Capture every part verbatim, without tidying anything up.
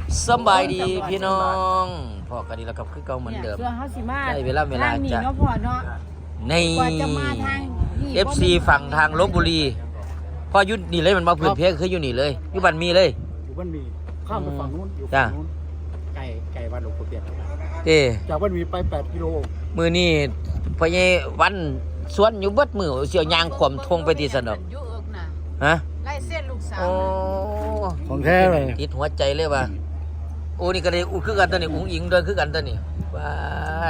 สบายดีพี่น้องพอกันดีแล้วครับคือเก่าเหมือนเดิมส่วนเขาสิมาได้เวลาเวลาทางนี้จะเนาะพ่อเนาะในกว่าจะมาทางนี่เอฟซีฝั่งทางลบบุรีพ่ออยุดนี่เลยมันมาพื้นเพคืออยู่นี่เลยอยู่บ้านมีเลยอยู่บ้านมีข้ามไปฝั่งนู้นอยู่จ้ะฝั่งนู้นไก่ไก่วัดหลวงปู่เปียกเต้จากบ้านมีไปแปดกิโลมือนี่พ่อใหญ่วันสวนอยู่เบิดมือเสียวยางขวมทงไปที่สนบอยู่เอิกน่ะฮะไล่เส้นลูกสาวโอ้ของแท้เลยติดหัวใจเลยว่ะโอ้นี่ก็ได้อู้คือกันตัวนี้อุ้งอิงด้วยคือกันตัวนี้บ้าน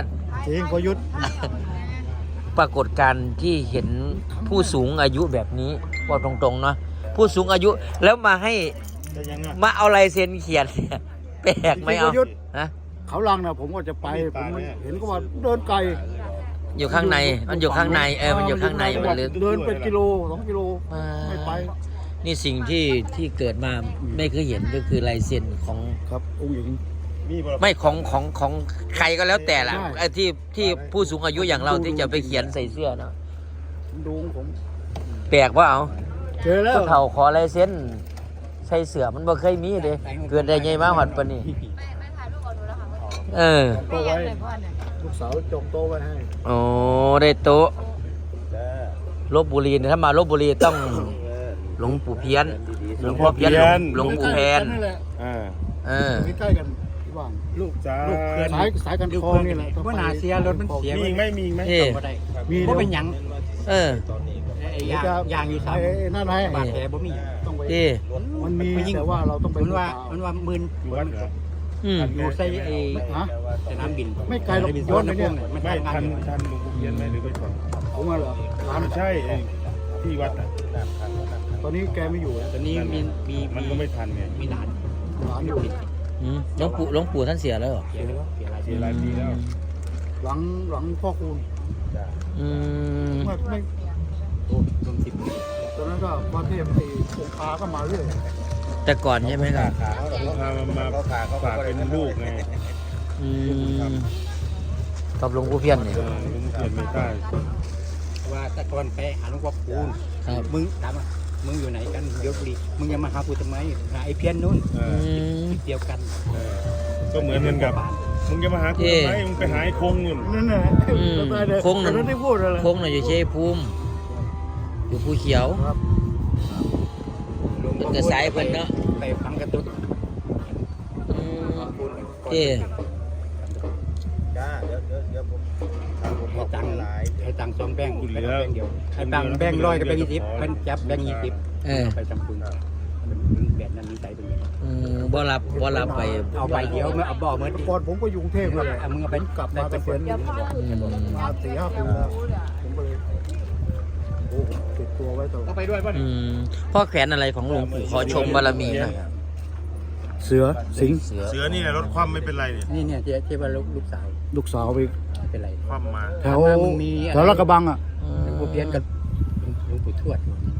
จริงพอยุทธปรากฏการณ์ที่เห็นผู้สูงอายุแบบนี้ว่าตรงๆเนาะผู้สูงอายุแล้วมาให้จะยังไงมาเอาลายเซ็นเขียนเนี่ยแปลกไหมเอาฮะเขาลังนะผมก็จะไปผมเห็นก็ว่าเดินไกลอยู่ข้างในมันอยู่ข้างในเออมันอยู่ข้างในมันลึกเดินเป็นกิโลสองกิโลไม่ไปนี่สิ่งที่ที่เกิดมาไม่เคยเห็นก็คือลายเซ็นของครับองค์หญิงไม่ของของของใครก็แล้วแต่ละใช่ไอ้ที่ที่ผู้สูงอายุอย่างเราที่จะไปเขียนใส่เสื้อเนาะดูของผมแปลกว่าเอาเจอแล้วผู้เฒ่าขอลายเซ็นใส่เสื้อมันบ่เคยมีเลยเกิดได้ไงมาหอดปานนี้ไม่ไม่ถ่ายรูปเอาดูแล้วค่ะเออก็ไม่ยัไว้งเลยพ่อเนี่ยลูกสาวจงโตไว้ให้โอ้ได้โต๊ะลบบุรีเนี่ยถ้ามาลบบุรีต้องหลวงปู่เพี้ยนหลวงพ่อเพี้ยนหลวงปู่แพนนั่นแหละอ่าเออใกล้ๆกันที่ว่างลูกจ้าลูกเขื่อนสายสายกันคลองนี่แหละว่านาเสียรถมันเสียมีอีกไหมมีอีกไหมเอ๊ะบ่ได้มีบ่เป็นหยังเออไอ้ยางยางอยู่ซ้ไอ้นั่นไงำบาดแผลบ่มีต้องไปเอ๊ะมันมีแต่ว่าเราต้องไปมันว่ามันว่ามึนอยู่วัดเหรออืมอยู่ใส่ไอ้ฮะสนามบินไม่ไกลหรอกบินย้อนไปเนี่ยมันไม่ทำงาทันนอยู่ทันหลวงปู่เพียนไหมหรือไม่ทันผมว่าเหรอร้านไม่ใช่ไอ้ที่วัดอ่ะตอนนี้แกไม่อยู่ตอนนี้มีมีมันก็ไม่ทันไงมีหลานร้านอยู่อืมหลวงปู่หลวงปู่ท่านเสียแล้วเหรอเสียแล้วเสียหลายเสียหลายปีแล้วหลังหลังพ่อคูณอืมไม่ไม่โอ้รวมสิบปีตอนนั้นก็พระเทพไอ้องค์คาก็มาเรื่อยแต่ก่อนใช่ไหมครับลูกพามามาฝากเป็นลูกไงอืมตอบหลวงปู่เพี้ยนเนี่ยเออหลวงปู่เพียนไม่ใต้ว่าแตะกอนไปหาหลวงพ่อคูณครับมึงถามว่ามึงอยู่ไหนกันเดี๋ยวดีมึงอย่ามาหากูทำไมหาไอ้เพี้ยนนู่นเออือมเดียวกันเออก็เหมือนกันกับมึงจะมาหากูทำไมมึงไปหาไอ้คงนู่นนั่นน่ะอืมจำได้เลยคงหนึ่งแต่นั้นได้พูดอะไรคงหน่อยอยู่เชยภูมิอยู่ภูเขียวครับเป็นกระสายเพิ่นเนาะไปฟังกระตุ้นอืมเอ๊ะให้ตังค์ให้ตังค์สองแบงค์ไปแล้วแบงค์เดียวให้ตังค์แบงค์ร้อยกับแบงค์ยี่สิบมันจับแบงค์ยี่สิบเออไปทำบุญแบบนั้นมีใจเป็นไงอืมบ่รับบ่รับไปเอาใบเดียวมาเอาบ่อเมื่อแต่ก่อนผมก็อยู่กรุงเทพนั่นแหละเอามึงเอาไปกลับมาเกษียณอืมมาสี่ห้าปีแล้วผมก็เลยโอ้โหติดตัวไว้ตลอดเอาไปด้วยป่ะอืมพ่อแขวนอะไรของหลวงปู่ขอชมบารมีหน่อยเสือสิงห์เสือเสือนี่แหละรถคว่ำไม่เป็นไรเนี่ยนี่เนี่ยเจ๊เจ๊ว่าลูกลูกสาวลูกสาวไปเป็นไรคว่ำมาแถวถามว่ามึงมีแถวลาดกระบังอ่ะอืหลวงปู่เพี้ยนกับหลวงปู่ทวด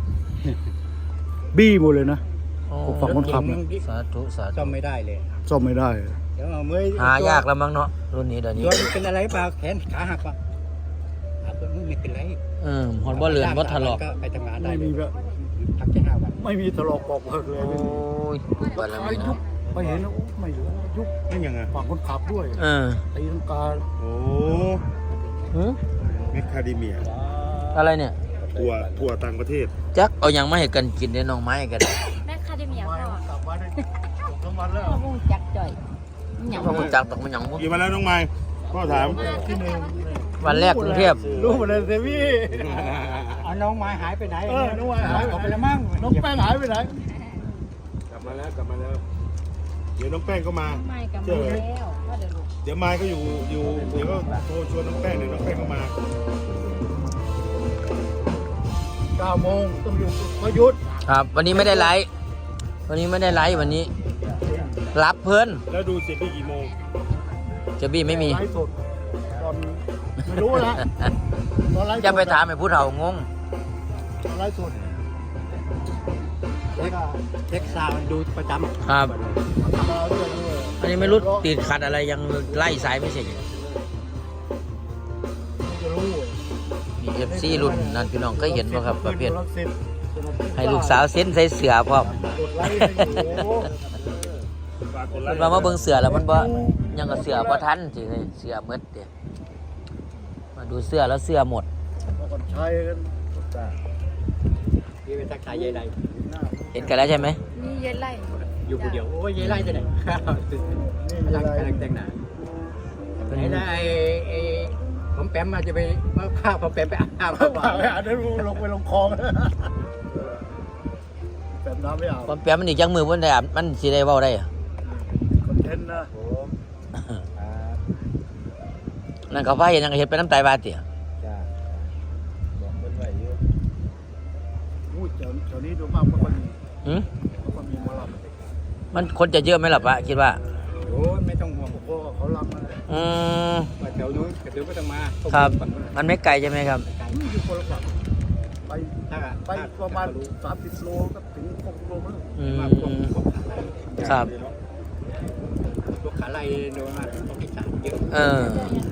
บี้หมดเลยนะโอ้ฝั่งคนขับเนี่ยสาธุสาธุซ่อมไม่ได้เลยซ่อมไม่ได้เดี๋ยวเอาเมื่อหายากแล้วมั้งเนาะรุ่นนี้เดี๋ยวนี้ตัวมันเป็นอะไรเปล่าแขนขาหักป่ะหักตัวนู้นไม่เป็นไรเออหอนบ่เลือนบ่ถลอกก็ไปทำงานได้ไม่เลมียแบบพักแค่ห้าวันไม่มีถลอกปอกเปิกเลยโอ้ยบารมียุบเนาะไปเห็นแล้วไม่เหลือยุบนี่ยังไงฝั่งคนขับด้วยเออตีลังกาโอ้หือเมคคาเดเมียอะไรเนี่ยทัวร์ทัวร์ต่างประเทศจักเอาหยังมาให้กันกินได้น้องไม้กันแม่คาเดเมียไม่พ่อกลับมาได้สองสามวันแล้วพ่อมุ่งจักจ่อยหยังพ่อคุณจักตกมันหยังบ่กี่วันแล้วน้องไม้พ่อถามที่หนึ่งวันแรกกรุงเทพรู้หมดเลยเซฟี่เอาน้องไม้หายไปไหนเออน้องไม้หายออกไปแล้วมั้งน้องแป้งหายไปไหนกลับมาแล้วกลับมาแล้ว เดี๋ยวน้องแป้งก็มาไม่กับมาแล้วพ่อเดี๋ยวลูกเดี๋ยวไม้ก็อยู่อยู่เดี๋ยวก็โทรชวนน้องแป้งเดี๋ยวน้องแป้งก็มาเก้าโมงต้องอยู่ประยุทธ์ครับ วันนี้ไม่ได้ไลฟ์วันนี้ไม่ได้ไลฟ์วันนี้ รับเพิ่นแล้วดูเสร็จที่กี่โมงเจะบี้ไม่มีไลฟ์สดตอนไม่รู้นะตอนไลฟ์สดจะไปถามไอ้ผู้เฒ่างงตอนไลฟ์สดเช็คเช็คซาวด์ดูประจำครับมาเรื่อยอันนี้ไม่รู้ติดขัดอะไรยังไล่สายไม่เสร็จอยู่ๆจะรู้มีเอฟซีรุ่นนั่นพี่น้องเคยเห็นป่ะครับประเภทรักสิทธิ์ให้ลูกสาวเซ็นใส่เสือพร้อมกดไลค์ให้อยู่ฝากฝากกดไลมันค์มามาเบิ่งเสือแล้วมันบ่ยังกับเสือบ่ทันสิเฮ้ยเสือหมดเด้มาดูเสือแล้วเสือหมดมาก่อนใช้กันจ้าพี่ไปทักทายยายไรเห็นกันแล้วใช่ไหมนี่เย็นไล่อยู่คนเดียวโอ้ยยายไรจะไหนนี่กำลังอะไรกำลังแต่งหน้าไอ้ได้ไอ้ผมแปมมาจะไปมาข้าวผมแปมไปอาบน้ำเปล่าไม่อาบได้ลงไปลงคลองแบบน้ำไม่อาบความแปลมันอีกจังมือมันได้อาบมันสิได้เว้าได้อะคอนเทนต์นะผมนั่นเขาพาเห็นยังก็เฮ็ดไปน้ำตายบาดติจ้าบอกเป็นไหวเยอะอู้แถวแถวนี้ดูมากไม่ค่อยมีหึไม่ค่อยมีหมอลำมันคนจะเยอะไหมล่ะปะคิดว่าโอ้ยไม่ต้องห่วงเพราะว่าเขาลำนั่นแหละอืมว่าแถวนู้นกระตือไม่ต้องมาครับ มันไม่ไกลใช่ไหมครับอยู่คนละฝั่งไปถ้าไปประมาณสามสิบโลก็ถึงหกโลมั้งอืมาพวกมพวกขาไล่ครับพวกขาไล่โดนมาพวกอีสานเยอะเออ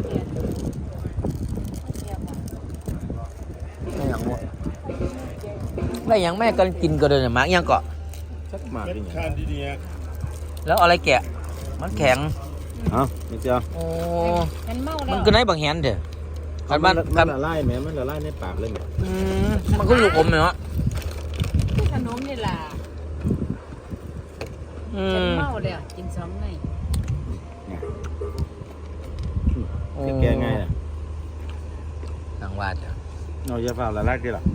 ไม่หยังวะไม่หยังแม่กันกินก็เลยเนี่ยหมากยังเกาะสักหมากเป็นนี่คานดีๆอ่ะแล้วเอาอะไรแกะ มันแข็งฮะไม่เจ้าโอ้มันเมาแล้มันวก็ไหนบางแหนเถอะคันบ้านมัคันนละลายไหมมันละลายในปากเลยเนี่ยอืมมันก็อยู่อมเนาะขนมนี่ล่ะอืฉันมเมาแล้วกินสองไงโอ้แก้ง่ายนะทางวาดจ้ะเราจะเฝ้าละลายกี่หรอ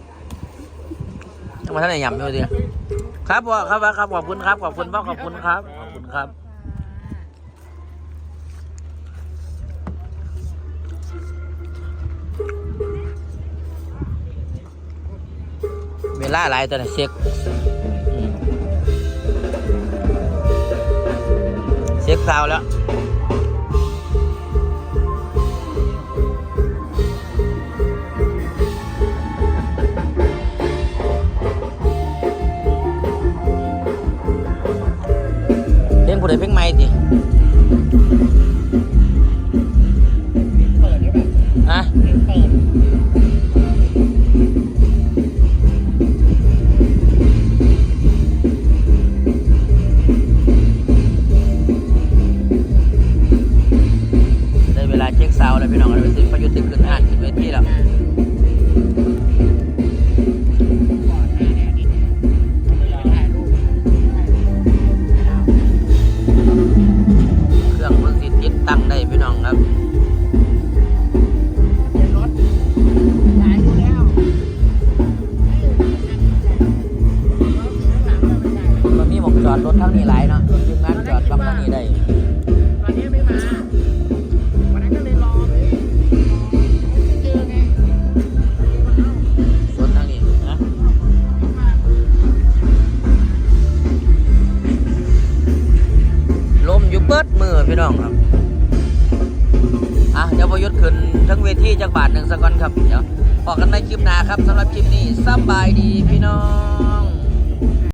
ยังมาท่านไหนยำอยู่ดิครับพ่อครับครับขอบคุณครับขอบคุณพ่อขอบคุณครับขอบคุณครับ เวลาหลายตัวน่ะเช็คอืมเช็คซาวด์แล้วเพลงผู้ใดเพลงใหม่ดิเปิดได้ป่ะฮะเปิดได้เวลาเช็คซาวด์แล้วพี่น้องเราไปซื้อประยุทธ์ตึกขึ้นห้านขึ้นเวทีแล้วเครื่องเพิ่งสิติดตั้งได้พี่น้องครับมันมีหมองจอดรถทั้งนี้หลายเนาะทีมงานจอดปั๊มทั้งนี้ได้ตอนนี้ไม่มาวันนั้นก็เลยรอเลยไม่เจอไงรถทั้งนี้นะลมอยู่เบิดมือพี่น้องครับอ่ะเดี๋ยวพยุทธ์ขึ้นทั้งเวทีจากบาทหนึ่งสักก่อนครับเดี๋ยวพอกันในคลิปหน้าครับสำหรับคลิปนี้สบายดีพี่น้อง